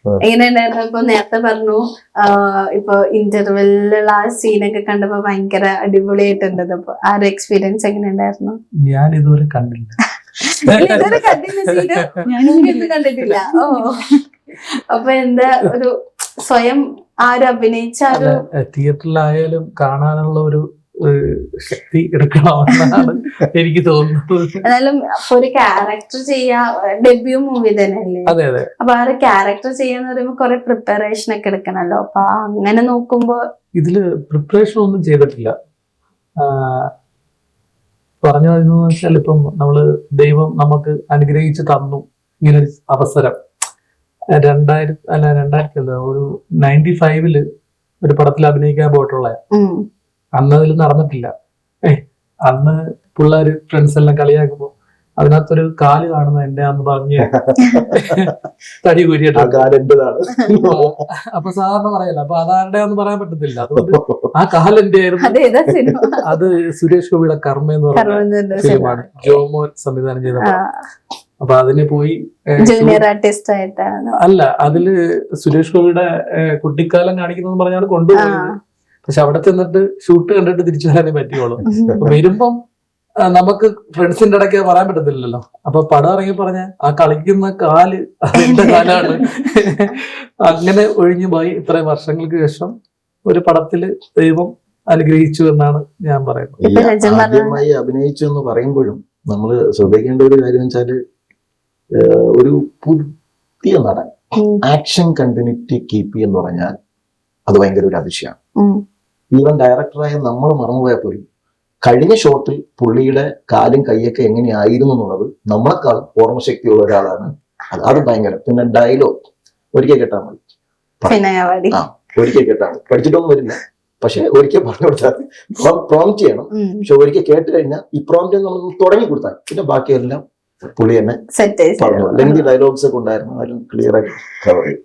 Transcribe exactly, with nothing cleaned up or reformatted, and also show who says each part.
Speaker 1: എങ്ങനെ ഉണ്ടായിരുന്നു? ഇപ്പൊ നേരത്തെ പറഞ്ഞു ഇപ്പൊ ഇന്റർവെല്ലുള്ള ആ സീനൊക്കെ കണ്ടപ്പോ ഭയങ്കര അടിപൊളിയായിട്ടുണ്ട്. അപ്പൊ ആ ഒരു എക്സ്പീരിയൻസ് എങ്ങനെ ഉണ്ടായിരുന്നു?
Speaker 2: ഞാൻ ഇതുവരെ കണ്ടില്ല.
Speaker 1: ഇതുവരെ കണ്ടില്ല സീന്, ഞാനൊന്നും കണ്ടിട്ടില്ല. ഓ, അപ്പൊ എന്താ ഒരു സ്വയം ആരും അഭിനയിച്ച ഒരു
Speaker 2: തിയേറ്ററിലായാലും കാണാനുള്ള ഒരു ശക്തി എടുക്കണമെന്നാണ് എനിക്ക് തോന്നുന്നത്.
Speaker 1: എന്നാലും ഒരു ക്യാരക്ടർ ചെയ്യാ ഡെബ്യൂ മൂവി തന്നെയല്ലേ?
Speaker 2: അതെ അതെ.
Speaker 1: അപ്പൊ ആ ഒരു ക്യാരക്ടർ ചെയ്യാന്ന് പറയുമ്പോ കുറെ പ്രിപ്പറേഷൻ ഒക്കെ എടുക്കണല്ലോ. അപ്പൊ അങ്ങനെ നോക്കുമ്പോ
Speaker 2: ഇതില് പ്രിപ്പറേഷൻ ഒന്നും ചെയ്തിട്ടില്ല. പറഞ്ഞു വരുന്നത് വെച്ചാൽ ഇപ്പം നമ്മള് ദൈവം നമുക്ക് അനുഗ്രഹിച്ച് തന്നു ഇങ്ങനെ ഒരു അവസരം. രണ്ടായിരത്തി അല്ല രണ്ടായിരത്തി അല്ല ഒരു നയൻറ്റി ഫൈവില് ഒരു പടത്തിൽ അഭിനയിക്കാൻ പോയിട്ടുള്ള അന്ന് അതിൽ നടന്നിട്ടില്ല. ഏഹ് അന്ന് പിള്ളേര് ഫ്രണ്ട്സ് എല്ലാം കളിയാക്കുമ്പോ അതിനകത്തൊരു കാല് കാണുന്ന എന്റെ അന്ന് പറഞ്ഞ് തടി കൂരിയിട്ട് അപ്പൊ സാധാരണ പറയല്ല. അപ്പൊ അതാരുടെ ഒന്നും പറയാൻ പറ്റത്തില്ല. അതുകൊണ്ട് ആ കാലെന്റെ ആയിരുന്നു. അത് സുരേഷ് ഗോപിയുടെ കർമ്മ എന്ന് പറയുന്ന ഫിലിമാണ്, ജോമോൻ സംവിധാനം ചെയ്ത. അപ്പൊ അതിന് പോയി
Speaker 1: ജൂനിയർ ആർട്ടിസ്റ്റ് ആയിട്ടാണ്.
Speaker 2: അല്ല, അതില് സുരേഷ് ഗോപിയുടെ കുട്ടിക്കാലം കാണിക്കുന്നത് പറഞ്ഞാണ് കൊണ്ടുപോയത്. പക്ഷെ അവിടെ ചെന്നിട്ട് ഷൂട്ട് കണ്ടിട്ട് തിരിച്ചു വരാനേ പറ്റുള്ളൂ. വരുമ്പം നമുക്ക് ഫ്രണ്ട്സിന്റെ ഇടയ്ക്ക് പറയാൻ പറ്റത്തില്ലല്ലോ. അപ്പൊ പടം ഇറങ്ങി പറഞ്ഞ ആ കളിക്കുന്ന കാല് അതിന്റെ കാലാണ്. അങ്ങനെ ഒഴിഞ്ഞു പോയി. ഇത്രയും വർഷങ്ങൾക്ക് ശേഷം ഒരു പടത്തില് ദൈവം അനുഗ്രഹിച്ചു എന്നാണ് ഞാൻ പറയുന്നത്.
Speaker 3: ആദ്യമായി അഭിനയിച്ചു എന്ന് പറയുമ്പോഴും നമ്മൾ ശ്രദ്ധിക്കേണ്ട ഒരു കാര്യം വെച്ചാല് ഒരു പുതിയ നടൻ ആക്ഷൻ കണ്ടിന്യൂറ്റി കീപ്പ് എന്ന് പറഞ്ഞാൽ അത് ഭയങ്കര ഒരു അതിശയമാണ്. ഈവൻ ഡയറക്ടറായ നമ്മൾ മറന്നുപോയാൽ പോലും കഴിഞ്ഞ ഷോട്ടിൽ പുള്ളിയുടെ കാലും കൈയൊക്കെ എങ്ങനെയായിരുന്നു എന്നുള്ളത് നമ്മളെക്കാൾ ഓർമ്മശക്തിയുള്ള ഒരാളാണ്. അത് അത് ഭയങ്കര. പിന്നെ ഡയലോഗ് ഒരിക്കൽ കേട്ടാൽ മതി, ആ ഒരിക്കൽ കേട്ടാൽ മതി, പഠിച്ചിട്ടൊന്നും വരില്ല. പക്ഷെ ഒരിക്കൽ പറഞ്ഞു കൊടുത്താൽ പ്രോംപ്റ്റ് ചെയ്യണം. പക്ഷെ ഒരിക്കൽ കേട്ട് കഴിഞ്ഞാൽ ഈ പ്രോംപ്റ്റ് നമ്മൾ തുടങ്ങി കൊടുത്താൽ പിന്നെ ബാക്കിയെല്ലാം പുള്ളി തന്നെ പറഞ്ഞു. അല്ലെങ്കിൽ ഡയലോഗ്സ് ഒക്കെ ഉണ്ടായിരുന്നു, അതിലും ക്ലിയർ ആയി കവർ ചെയ്യും.